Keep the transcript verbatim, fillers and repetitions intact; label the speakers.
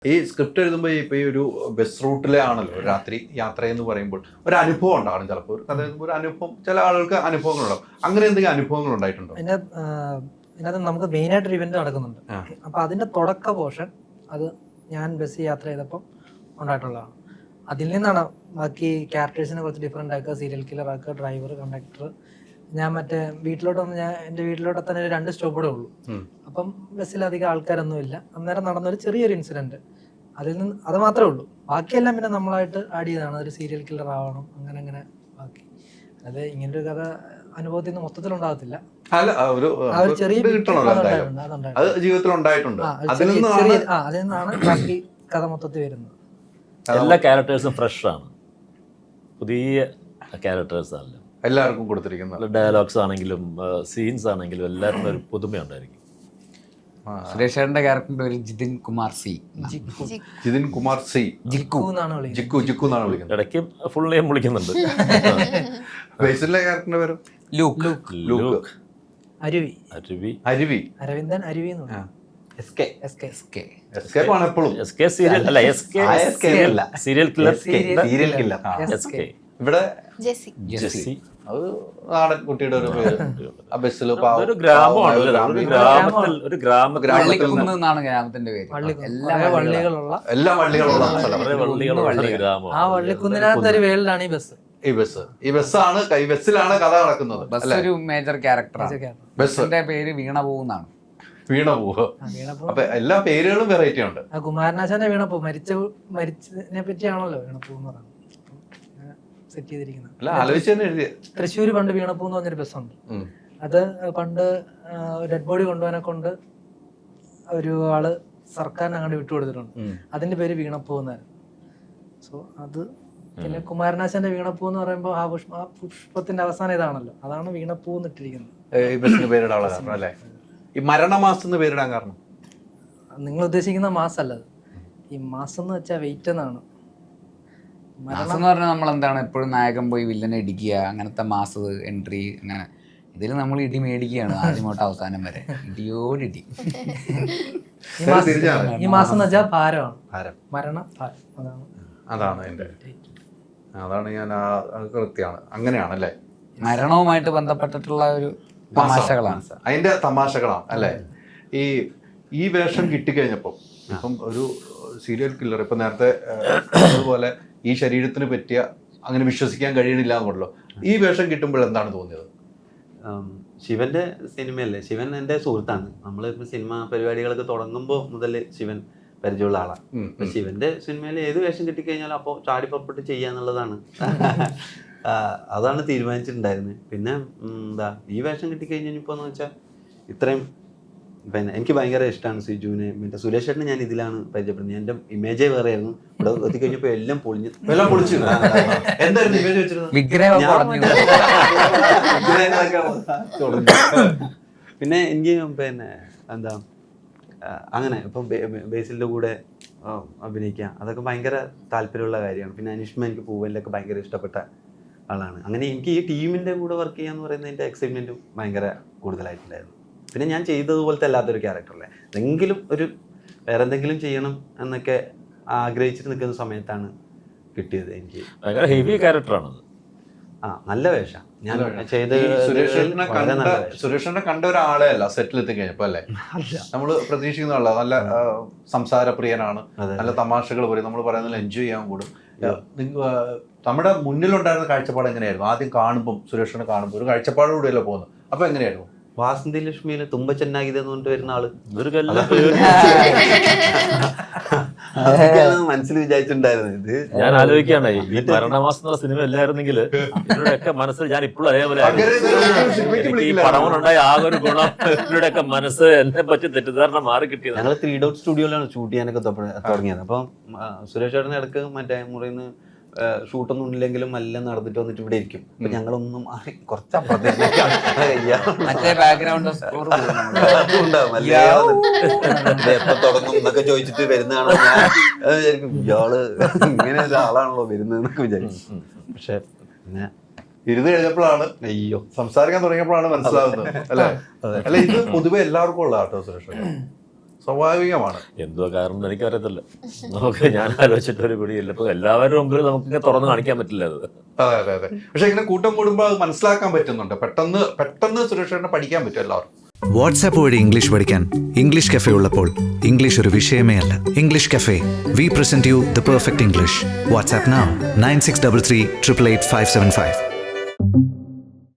Speaker 1: ഈ സ്ക്രിപ്റ്റ് എഴുതുമ്പോൾ ഇപ്പൊ ഈ ഒരു ബസ് റൂട്ടിലെ ആണല്ലോ രാത്രി യാത്ര എന്ന് പറയുമ്പോൾ ഒരു അനുഭവം ഉണ്ടാവും. ചിലപ്പോൾ ഒരു കഥ എഴുതുമ്പോൾ ഒരു അനുഭവം, ചില ആളുകൾക്ക് അനുഭവങ്ങളുണ്ടാവും. അങ്ങനെ എന്തെങ്കിലും അനുഭവങ്ങൾ ഉണ്ടായിട്ടുണ്ടോ?
Speaker 2: അതിനകത്ത് നമുക്ക് മെയിനായിട്ടൊരു ഇവന്റ് നടക്കുന്നുണ്ട്. അപ്പൊ അതിന്റെ തുടക്ക പോർഷൻ അത് ഞാൻ ബസ് യാത്ര ചെയ്തപ്പം ഉണ്ടായിട്ടുള്ളതാണ്. അതിൽ നിന്നാണ് ബാക്കി ക്യാരക്ടേഴ്സിനെ കുറച്ച് ഡിഫറെന്റ് ആക്കുക, സീരിയൽ കില്ലർ ആക്കുക, ഡ്രൈവർ, കണ്ടക്ടർ. ഞാൻ മറ്റേ വീട്ടിലോട്ട് വന്ന് ഞാൻ എൻ്റെ വീട്ടിലോട്ട് തന്നെ രണ്ട് സ്റ്റോപ്പൂടെ ഉള്ളൂ. അപ്പം ബസ്സിൽ അധികം ആൾക്കാരൊന്നും ഇല്ല. അന്നേരം നടന്നൊരു ചെറിയൊരു ഇൻസിഡന്റ്, അതിൽ നിന്ന് അത് മാത്രമേ ഉള്ളൂ. ബാക്കിയെല്ലാം പിന്നെ നമ്മളായിട്ട് ആഡ് ചെയ്തതാണ്. ഒരു സീരിയൽ കില്ലർ ആവണം, അങ്ങനെ അങ്ങനെ ബാക്കി. അത് ഇങ്ങനൊരു കഥ അനുഭവത്തിൽ നിന്ന് മൊത്തത്തിൽ ഉണ്ടാകത്തില്ല. ചെറിയ
Speaker 1: ജീവിതത്തിൽ ഉണ്ടായിട്ടുണ്ട്. അതിൽ
Speaker 2: നിന്നാണ് ബാക്കി കഥ മൊത്തത്തിൽ വരുന്നത്.
Speaker 3: എല്ലാ ക്യാരക്ടേഴ്സും ഫ്രഷ് ആണ്, പുതിയ ക്യാരക്ടേഴ്സ് അല്ല
Speaker 1: എല്ലാവർക്കും കൊടുത്തിരിക്കുന്നത്.
Speaker 3: ഡയലോഗ്സ് ആണെങ്കിലും സീൻസ് ആണെങ്കിലും എല്ലാവർക്കും ഒരു പുതുമയുണ്ടായിരിക്കും.
Speaker 4: സുരേഷ് ചേട്ടന്റെ ക്യാരക്ടറിന്റെ പേര് ജിതിൻ കുമാർ സി.
Speaker 1: ജിതിൻ കുമാർ സി
Speaker 2: ജിക്കു എന്നാണ്
Speaker 1: ജിക്കു ജിക്കു എന്നാണ് വിളിക്കുന്നത്.
Speaker 3: ഇടയ്ക്ക് ഫുൾ നെയിം വിളിക്കുന്നുണ്ട്.
Speaker 1: ബേസിലെ ക്യാരക്ടറിന്റെ പേര്
Speaker 4: ലൂക്ക്.
Speaker 3: ലൂക്ക്.
Speaker 2: അരുവി.
Speaker 3: അരുവി.
Speaker 1: അരുവി.
Speaker 2: അരവിന്ദൻ അരുവി എന്ന് പറയും.
Speaker 1: എസ്കേ.
Speaker 2: എസ്കേ.
Speaker 1: എസ്കേ. എസ്കേപ്പ് ആണ് എപ്പോഴും.
Speaker 3: എസ്കേ സീരിയൽ അല്ല, SK serial killer.
Speaker 1: Serial killer.
Speaker 3: SK.
Speaker 1: ഇവിടെ
Speaker 4: ജെസ്സി.
Speaker 3: ജെസ്സി.
Speaker 1: അത് നാടൻ കുട്ടിയുടെ ഒരു പേര്. ആ ബസ്സിൽ
Speaker 3: ഒരു ഗ്രാമമാണ്, ഒരു ഗ്രാമത്തിൽ ഒരു ഗ്രാമ
Speaker 4: വള്ളിക്കുന്ന് എന്നാണ് ഗ്രാമത്തിന്റെ പേര്.
Speaker 2: എല്ലാ വള്ളികളുള്ള
Speaker 1: എല്ലാ വള്ളികളുള്ള സ്ഥലം.
Speaker 3: വള്ളികളുള്ള ഗ്രാമം.
Speaker 2: ആ വള്ളിക്കുന്നിനകത്ത് ഒരു വേൾഡാണ് ഈ ബസ്.
Speaker 1: ഈ ബസ് ഈ ബസ്സാണ് ഈ ബസ്സിലാണ് കഥ നടക്കുന്നത്.
Speaker 4: ബസ് ഒരു മേജർ ക്യാരക്ടറാണ്. ബസ്സിന്റെ പേര് വീണപൂ എന്നാണ്.
Speaker 1: വീണപൂ. അപ്പൊ എല്ലാ പേരുകളും വെറൈറ്റി ഉണ്ട്.
Speaker 2: കുമാരനാശാന്റെ വീണപ്പൂ മരിച്ച മരിച്ചതിനെ പറ്റിയാണല്ലോ വീണപ്പൂ എന്ന് പറയുന്നത്. സെറ്റ് ചെയ്തിരിക്കുന്നത് തൃശ്ശൂർ പണ്ട് വീണപ്പൂ എന്ന് പറഞ്ഞൊരു ബസ്സുണ്ട്. അത് പണ്ട് ഡെഡ് ബോഡി കൊണ്ടുപോകാനെ കൊണ്ട് ഒരു ആള് സർക്കാരിന് അങ്ങോട്ട് വിട്ടുകൊടുത്തിട്ടുണ്ട്. അതിന്റെ പേര് വീണപ്പൂ എന്നായിരുന്നു. സോ അത് പിന്നെ കുമാരനാശാന്റെ വീണപ്പൂ എന്ന് പറയുമ്പോൾ ആ പുഷ്പ ആ പുഷ്പത്തിന്റെ അവസാനം ഇതാണല്ലോ, അതാണ് വീണപ്പൂ എന്നിട്ടിരിക്കുന്നത്.
Speaker 1: ഈ ബസ്സിന് പേരിടാനുള്ള കാരണം അല്ലേ? ഈ മരണമാസം എന്ന് പേരിടാൻ കാരണം
Speaker 2: നിങ്ങൾ ഉദ്ദേശിക്കുന്ന മാസല്ല, ഈ മാസം എന്ന് വെച്ചാൽ വെയിറ്റ് എന്നാണ്.
Speaker 4: മാസം എന്ന് പറഞ്ഞാൽ നമ്മൾ എന്താണ് എപ്പോഴും നായകൻ പോയി വില്ലനെ ഇടിക്കുക, അങ്ങനത്തെ മാസ് എൻട്രി അങ്ങനെ. ഇതിൽ നമ്മൾ ഇടി മേടിക്കുകയാണ് ആദ്യം തൊട്ട് അവസാനം വരെ, ഇടിയോടിടി.
Speaker 2: ഈ മാസം എന്ന് വെച്ചാൽ ഭാരമാണ്,
Speaker 1: ഭാരം,
Speaker 2: മരണം, അതാണ്
Speaker 1: അതാണ് എന്റെ അതാണ് ഞാൻ കൃത്യമാണ്. അങ്ങനെയാണല്ലേ,
Speaker 4: മരണവുമായിട്ട് ബന്ധപ്പെട്ടിട്ടുള്ള ഒരു തമാശകളാണ്,
Speaker 1: അതിന്റെ തമാശകളാണ് അല്ലേ. ഈ ഈ വേഷം കിട്ടിക്കഴിഞ്ഞപ്പോൾ ഇപ്പം ഒരു സീരിയൽ കില്ലർ ഇപ്പം നേരത്തെ അതുപോലെ ഈ ശരീരത്തിന് പറ്റിയ അങ്ങനെ വിശ്വസിക്കാൻ കഴിയണില്ല എന്നുള്ളൂ. ഈ വേഷം കിട്ടുമ്പോൾ എന്താണ് തോന്നിയത്?
Speaker 5: ശിവന്റെ സിനിമയല്ലേ, ശിവൻ എൻ്റെ സുഹൃത്താണ്. നമ്മൾ ഇപ്പം സിനിമ പരിപാടികളൊക്കെ തുടങ്ങുമ്പോൾ മുതൽ ശിവൻ പരിചയമുള്ള ആളാണ്. അപ്പം ശിവന്റെ സിനിമയിൽ ഏത് വേഷം കിട്ടിക്കഴിഞ്ഞാലും അപ്പോൾ ചാടി പുറപ്പെട്ട് ചെയ്യാന്നുള്ളതാണ് അതാണ് തീരുമാനിച്ചിട്ടുണ്ടായിരുന്നത്. പിന്നെ എന്താ ഈ വേഷം കിട്ടിക്കഴിഞ്ഞപ്പോൾ എന്ന് വെച്ചാൽ ഇത്രയും പിന്നെ എനിക്ക് ഭയങ്കര ഇഷ്ടമാണ് സിജുവിനെ. പിന്നെ സുരേഷ് ചേട്ടനെ ഞാൻ ഇതിലാണ് പരിചയപ്പെടുന്നത്. എൻ്റെ ഇമേജേ വേറെ ആയിരുന്നു. ഇവിടെ എത്തിക്കഴിഞ്ഞപ്പോൾ എല്ലാം പൊളിഞ്ഞു എല്ലാം പൊളിച്ചു. എന്തായിരുന്നു ഇമേജ് വെച്ചിരുന്നത്? പിന്നെ എനിക്ക് പിന്നെ എന്താ അങ്ങനെ ഇപ്പം ബേസിലിൻ്റെ കൂടെ അഭിനയിക്കുക അതൊക്കെ ഭയങ്കര താല്പര്യമുള്ള കാര്യമാണ്. പിന്നെ അനിഷ്മ എനിക്ക് പൂവലിലൊക്കെ ഭയങ്കര ഇഷ്ടപ്പെട്ട ആളാണ്. അങ്ങനെ എനിക്ക് ഈ ടീമിൻ്റെ കൂടെ വർക്ക് ചെയ്യാന്ന് പറയുന്നതിൻ്റെ എക്സൈറ്റ്മെൻറ്റും ഭയങ്കര കൂടുതലായിട്ടുണ്ടായിരുന്നു. പിന്നെ ഞാൻ ചെയ്തതുപോലത്തെ അല്ലാത്തൊരു ക്യാരക്ടറല്ലേ, എന്തെങ്കിലും ഒരു വേറെ എന്തെങ്കിലും ചെയ്യണം എന്നൊക്കെ ആഗ്രഹിച്ചിട്ട് നിൽക്കുന്ന സമയത്താണ് കിട്ടിയത്. എനിക്ക്
Speaker 3: ഹെവി ക്യാരക്ടറാണത്.
Speaker 1: ആ നല്ല വേഷം ഞാൻ ചെയ്ത്. സുരേഷിനെ കണ്ട ഒരാളെ അല്ല സെറ്റിൽ എത്തിക്കഴിഞ്ഞപ്പോ അല്ലേ നമ്മള് പ്രതീക്ഷിക്കുന്ന ആളാ. നല്ല സംസാരപ്രിയനാണ്, നല്ല തമാശകൾ പറയും, നമ്മൾ പറയുന്നതിൽ എൻജോയ് ചെയ്യാൻ കൂടും. നമ്മുടെ മുന്നിലുണ്ടായിരുന്ന കാഴ്ചപ്പാട് എങ്ങനെയായിരുന്നു? ആദ്യം കാണുമ്പോൾ സുരേഷിനെ കാണുമ്പോൾ ഒരു കാഴ്ചപ്പാടോടെയല്ലോ പോകുന്നത്. അപ്പൊ എങ്ങനെയായിരുന്നു?
Speaker 5: വാസന്തി ലക്ഷ്മിയില് തുമ്പ ചെന്നാഗിത എന്ന് പറഞ്ഞിട്ട് വരുന്ന ആള് മനസ്സിൽ വിചാരിച്ചിട്ടുണ്ടായിരുന്നു. ഇത്
Speaker 3: ഞാൻ ആലോചിക്കുകയാണ്, ഈ മരണമാസം എന്നുള്ള സിനിമ അല്ലായിരുന്നെങ്കിൽ ഇവരുടെയൊക്കെ മനസ്സിൽ ഞാൻ ഇപ്പോഴും അതേപോലെ ഈ പടമുണ്ടായ ആകെ ഒരു ഗുണം ഇവരുടെയൊക്കെ മനസ്സ് എന്നെ പറ്റി തെറ്റിദ്ധാരണ മാറി കിട്ടിയത്.
Speaker 5: ഞങ്ങൾ ത്രീ ഡോട്ട് സ്റ്റുഡിയോയിലാണ് ഷൂട്ട് ചെയ്യാനൊക്കെ തുടങ്ങിയത്. അപ്പം സുരേഷ് ചേട്ടൻ്റെ ഇടക്ക് മറ്റേ മുറിയിൽ ഷൂട്ടൊന്നും ഇല്ലെങ്കിലും എല്ലാം നടന്നിട്ട് വന്നിട്ട് ഇവിടെ ഇരിക്കും. അപ്പൊ ഞങ്ങളൊന്നും കുറച്ച് എപ്പൊ തുടങ്ങും എന്നൊക്കെ ചോദിച്ചിട്ട് വരുന്നതാണോ ഞാൻ വിചാരിക്കും, ഇയാള് ഇങ്ങനെ ഒരാളാണല്ലോ വരുന്നതെന്നൊക്കെ വിചാരിക്കും. പക്ഷെ പിന്നെ
Speaker 1: ഇരുന്ന് കഴിഞ്ഞപ്പോഴാണ് അയ്യോ സംസാരിക്കാൻ തുടങ്ങിയപ്പോഴാണ് മനസ്സിലാവുന്നത് അല്ലെ. അല്ല ഇത് പൊതുവെ എല്ലാവർക്കും ഉള്ള കേട്ടോ സുരേഷ്. സ്വാഭാവികമാണ്.
Speaker 3: എന്തോ കാരണം എനിക്കറിയത്തില്ല. നമുക്ക് ഞാൻ ആലോചിച്ചിട്ട് ഒരു പിടിയില്ല. ഇപ്പൊ എല്ലാവരുടെ മുമ്പിൽ നമുക്കിങ്ങനെ തുറന്ന് കാണിക്കാൻ പറ്റില്ല അത്.
Speaker 1: അതെ അതെ അതെ. പക്ഷെ ഇങ്ങനെ കൂട്ടം കൂടുമ്പോൾ അത് മനസ്സിലാക്കാൻ പറ്റുന്നുണ്ട്. പെട്ടെന്ന് പെട്ടെന്ന് സുരേഷേട്ടനെ പഠിക്കാൻ പറ്റും എല്ലാവർക്കും.
Speaker 6: വാട്സാപ്പ് വഴി ഇംഗ്ലീഷ് പഠിക്കാൻ ഇംഗ്ലീഷ് കഫേ ഉള്ളപ്പോൾ ഇംഗ്ലീഷ് ഒരു വിഷയമേ അല്ല. English cafe, we present you the perfect English. WhatsApp now nine six three three eight eight five seven five.